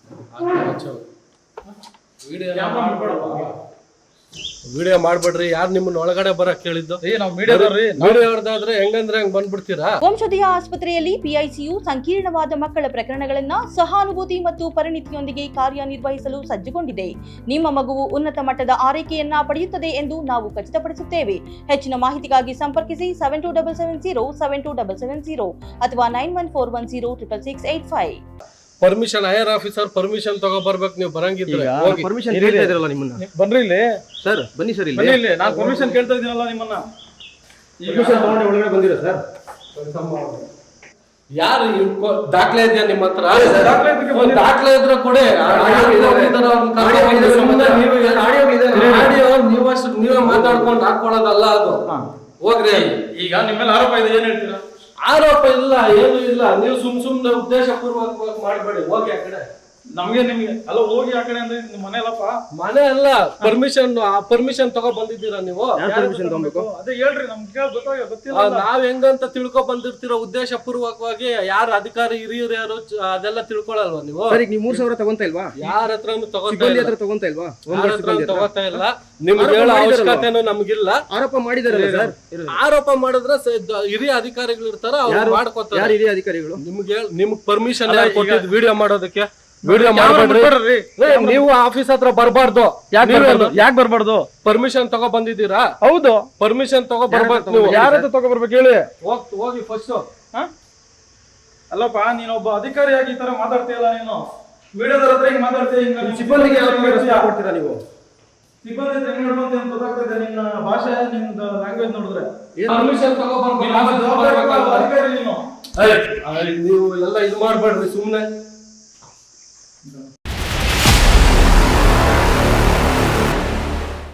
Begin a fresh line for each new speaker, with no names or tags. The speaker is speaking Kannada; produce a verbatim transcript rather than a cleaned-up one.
ವಿಡಿಯೋ ಮಾಡ್ಬೇಡ್ರಿ. ಯಾರು ನಿಮ್ಮನ್ನ ಒಳಗಡೆ ಬರಕ್ ಕೇಳಿದ್ದು? ವಿಡಿಯೋದಾದ್ರೆ ಹೆಂಗಂದ್ರೆ ಹಂಗ್ ಬಂದ್ಬಿಡ್ತೀರಾ?
ವಂಶೋದಯ ಆಸ್ಪತ್ರೆಯಲ್ಲಿ ಪಿಐಸಿಯು ಸಂಕೀರ್ಣವಾದ ಮಕ್ಕಳ ಪ್ರಕರಣಗಳನ್ನ ಸಹಾನುಭೂತಿ ಮತ್ತು ಪರಿಣಿತಿಯೊಂದಿಗೆ ಕಾರ್ಯನಿರ್ವಹಿಸಲು ಸಜ್ಜುಗೊಂಡಿದೆ. ನಿಮ್ಮ ಮಗುವು ಉನ್ನತ ಮಟ್ಟದ ಆರೈಕೆಯನ್ನ ಪಡೆಯುತ್ತದೆ ಎಂದು ನಾವು ಖಚಿತಪಡಿಸುತ್ತೇವೆ. ಹೆಚ್ಚಿನ ಮಾಹಿತಿಗಾಗಿ ಸಂಪರ್ಕಿಸಿ seven two double seven zero seven two double seven zero ಅಥವಾ nine one four one zero triple six eight five.
Permission IR officer permission ತಗೋಬರ್ಬೇಕು. ನೀವು ಬರಂಗಿದ್ರೆ
ಪರ್ಮಿಷನ್ ಕೇಳ್ತಾ ಇದ್ರಲ್ಲ ನಿಮ್ಮನ್ನ.
ಬನ್ರಿ ಇಲ್ಲಿ
ಸರ್, ಬನ್ನಿ ಸರ್ ಇಲ್ಲಿ.
ಬನ್ನಿ ಇಲ್ಲಿ. ನಾನು ಪರ್ಮಿಷನ್ ಕೇಳ್ತಾ ಇದ್ದೀನಲ್ಲ ನಿಮ್ಮನ್ನ.
ಪರ್ಮಿಷನ್ ತಗೊಂಡು ಒಳಗಡೆ ಬಂದಿರೋ ಸರ್.
ಯಾರು ದಾಖಲೆ ಇದೆಯಾ ನಿಮ್ಮ ಹತ್ರ?
ದಾಖಲೆ ಇದಕ್ಕೆ ಬಂದಿರೋ.
ದಾಖಲೆ ಇದ್ರೆ ಕೊಡಿ. ನೀವಷ್ಟು ನೀವೇ ಮಾತಾಡ್ಕೊಂಡು ಹಾಕೊಳ್ಳೋದಲ್ಲ ಅದು. ಹೋಗ್ರಿ.
ಈಗ ನಿಮ್ಮ ಮೇಲೆ ಆರೋಪ ಇದೆ, ಏನ್ ಹೇಳ್ತೀರಾ?
ಆರೋಪ ಇಲ್ಲ, ಏನು ಇಲ್ಲ. ನೀವು ಸುಮ್ ಸುಮ್ನೆ ಉದ್ದೇಶ ಪೂರ್ವಕವಾಗಿ ಮಾಡಬೇಡಿ. ಹೋಗಿ ಆ ಕಡೆ.
ನಮ್ಗೆ ನಿಮ್ಗೆ ಅಲ್ಲ ಹೋಗಿ ಆ ಕಡೆ ಅಂದ್ರೆ ನಿಮ್ಮ ಮನೆ ಅಲ್ಲಪ್ಪ.
ಮನೆ ಅಲ್ಲ, ಪರ್ಮಿಷನ್ ಪರ್ಮಿಷನ್ ತಗೋ ಬಂದಿದ್ದೀರಾ ನೀವು?
ಪರ್ಮಿಷನ್ ತಗೋಬೇಕು.
ಅದೇ ಹೇಳ್ರಿ, ನಮ್ಗೆ ಗೊತ್ತಾಗ ಗೊತ್ತಿಲ್ಲ.
ನಾವ್ ಹೆಂಗಂತ ತಿಳ್ಕೊ ಬಂದಿರ್ತೀರೋ ಉದ್ದೇಶ ಪೂರ್ವಕವಾಗಿ. ಯಾರು ಅಧಿಕಾರಿ ಹಿರಿಯರು ಯಾರು ಅದೆಲ್ಲ ತಿಳ್ಕೊಳಲ್ವಾ ನೀವು?
ಸರ್, ಈಗ ನೀವು ಮೂರ್ ಸಾವಿರ ತಗೊಂತ ಇಲ್ವಾ?
ಯಾರ ಹತ್ರನು ತಗೋತಾ
ತಗೊಂತ ಇಲ್ವಾ?
ತಗೋತಾ ಇಲ್ಲ. ನಿಮ್ಗೆ ಹೇಳೋ ಅವಶ್ಯಕತೆನೂ ನಮ್ಗಿಲ್ಲ.
ಆರೋಪ ಮಾಡಿದಾರಲ್ಲ ಸರ್.
ಆರೋಪ ಮಾಡಿದ್ರೆ ಹಿರಿಯ ಅಧಿಕಾರಿಗಳು ಇರ್ತಾರ, ಅವ್ರು ಮಾಡ್ಕೊತಾರೆ.
ಯಾರು ಹಿರಿಯ ಅಧಿಕಾರಿಗಳು?
ನಿಮ್ಗೆ ನಿಮ್ಗೆ ಪರ್ಮಿಷನ್ ಯಾರು ಕೊಟ್ಟಿದ್ದು ವಿಡಿಯೋ ಮಾಡೋದಕ್ಕೆ? ವಿಡಿಯೋ ಮಾಡ್ಬೇಡ್ರಿ. ನೀವು ಆಫೀಸ್ ಹತ್ರ ಬರ್ಬಾರ್ದು.
ಯಾಕೆ ಬರ್ಬಾರ್ದು?
ಪರ್ಮಿಷನ್ ತಗೋ ಬಂದಿದ್ದೀರಾ?
ಹೌದು,
ಪರ್ಮಿಷನ್ ತಗೋ ಬರ್ಬೇಕು. ನೀವು
ಯಾರ ಹತ್ರ ತಗೋ ಬರ್ಬೇಕು ಹೇಳಿ?
ಹೋಗಿ ಫಸ್ಟ್.
ಅಲ್ಲಪ್ಪ, ನೀನೊಬ್ಬ ಅಧಿಕಾರಿಯಾಗಿ ಈ ತರ ಮಾತಾಡ್ತೀಯಲ್ಲ ನೀನು. ವಿಡಿಯೋದವ್ರ ಹತ್ರ ಹಿಂಗ್ ಮಾತಾಡ್ತೀಯ.
ಸಿಬ್ಬಂದಿಗೆ ಕೊಡ್ತೀರಾ ನೀವು?
ಸಿಬ್ಬಂದಿ ಹತ್ರ ಹೆಂಗ್ ನೋಡ್ಕೊಂತ ಅಂತ ಗೊತ್ತಾಗ್ತದೆ. ನಿನ್ನ ಭಾಷೆ, ನಿಮ್ದು ಲ್ಯಾಂಗ್ವೇಜ್ ನೋಡಿದ್ರೆ
ಪರ್ಮಿಷನ್ ತಗೋ ಬರ್ಬೇಕು.
ಅಧಿಕಾರಿ ನೀನು.
ನೀವು ಎಲ್ಲ ಇದು ಮಾಡ್ಬೇಡ್ರಿ ಸುಮ್ನೆ.